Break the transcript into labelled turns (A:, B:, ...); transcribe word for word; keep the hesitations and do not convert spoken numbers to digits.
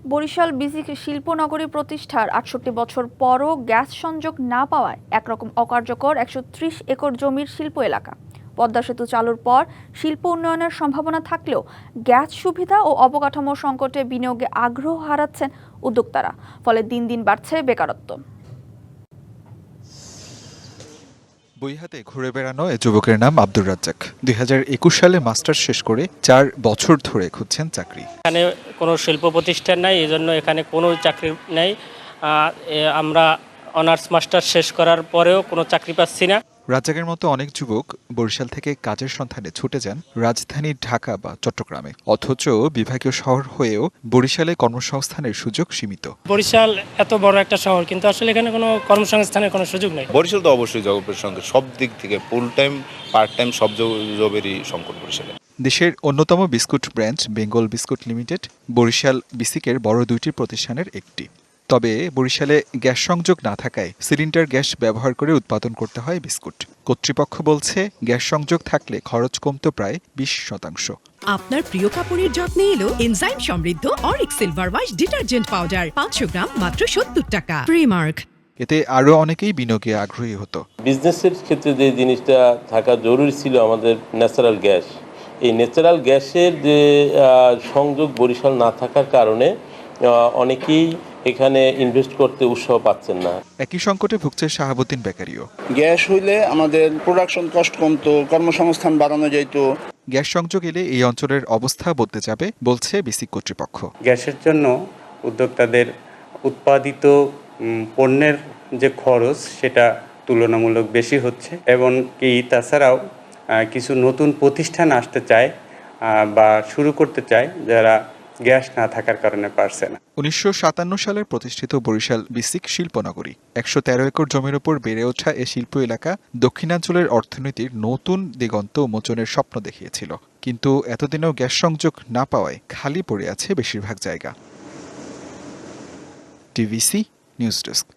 A: বরিশাল বিসিক শিল্পনগরী প্রতিষ্ঠার আটষট্টি বছর পরও গ্যাস সংযোগ না পাওয়ায় একরকম অকার্যকর একশো ত্রিশ একর জমির শিল্প এলাকা। পদ্মা সেতু চালুর পর শিল্প উন্নয়নের সম্ভাবনা থাকলেও গ্যাস সুবিধা ও অবকাঠামো সংকটে বিনিয়োগে আগ্রহ হারাচ্ছেন উদ্যোক্তারা, ফলে দিন দিন বাড়ছে বেকারত্ব।
B: বইহাতে ঘুরে বেড়ানো এ যুবকের নাম আব্দুর রাজ্জাক। দুই হাজার একুশ সালে মাস্টার্স শেষ করে চার বছর ধরে খুঁজছেন চাকরি।
C: এখানে কোনো শিল্প প্রতিষ্ঠান নাই, এই জন্য এখানে কোনো চাকরি নেই। আমরা অনার্স মাস্টার্স শেষ করার পরেও কোনো চাকরি পাচ্ছি না।
B: রাজ্জাকের মতো অনেক যুবক বরিশাল থেকে কাজের সন্ধানে ছুটে যান রাজধানী ঢাকা বা চট্টগ্রামে, অথচ বিভাগীয় শহর হয়েও বরিশালে কর্মসংস্থানের সুযোগ সীমিত।
C: বরিশাল এত বড় একটা শহর, কিন্তু আসলে এখানে কোনো কর্মসংস্থানের কোনো সুযোগ নেই।
D: বরিশাল তো অবশ্যই জবের সঙ্গে সব দিক থেকে ফুল টাইম পার্ট টাইম সব জবেরই সংকট বরিশালে।
B: দেশের অন্যতম biscuit brand Bengal biscuit limited Barishal বিসিকের বড় দুইটি প্রতিষ্ঠানের একটি। তবে বরিশালে গ্যাস সংযোগ না থাকায় সিলিন্ডার গ্যাস ব্যবহার করে উৎপাদন করতে হয় বিস্কুট। কর্তৃপক্ষ বলছে গ্যাস সংযোগ থাকলে খরচ কমতো প্রায় বিশ শতাংশ।
E: আপনার প্রিয় কাপড়ের যত্নে এলো এনজাইম সমৃদ্ধ অরিক সিলভার ওয়াশ ডিটারজেন্ট পাউডার পাঁচশো গ্রাম মাত্র সত্তর টাকা। প্রিমার্ক।
B: এতে আরও অনেকেই বিনিয়োগে আগ্রহী হতো।
F: বিজনেসের ক্ষেত্রে যে জিনিসটা থাকা জরুরি ছিল আমাদের ন্যাচারাল গ্যাস, এই ন্যাচারাল গ্যাসের যে সংযোগ বরিশাল না থাকার কারণে অনেকেই এখানে ইনভেস্ট করতে উৎসাহ পাচ্ছেন না।
B: একই সংকটে ভুগছে শাহাবুদ্দিন বেকারিও।
G: গ্যাস হইলে আমাদের প্রোডাকশন কস্ট কমতো, কর্মসংস্থান বাড়ানো যেত।
B: গ্যাস সংযোগ এলে এই অঞ্চলের অবস্থা বদলে যাবে বলছে বিসিক কর্তৃপক্ষ।
H: গ্যাসের জন্য উদ্যোক্তাদের উৎপাদিত পণ্যের যে খরচ সেটা তুলনামূলক বেশি হচ্ছে, এবং কি তাছাড়াও কিছু নতুন প্রতিষ্ঠান আসতে চায় বা শুরু করতে চায় যারা গ্যাস না থাকার কারণে পারছে না।
B: উনিশশো সাতান্ন সালে প্রতিষ্ঠিত বরিশাল বিসিক শিল্পনগরী একশো তেরো একর জমির উপর বেড়ে ওঠা এ শিল্প এলাকা দক্ষিণাঞ্চলের অর্থনীতির নতুন দিগন্ত উন্মোচনের স্বপ্ন দেখিয়েছিল, কিন্তু এতদিনেও গ্যাস সংযোগ না পাওয়ায় খালি পড়ে আছে বেশিরভাগ জায়গা। TVC news desk.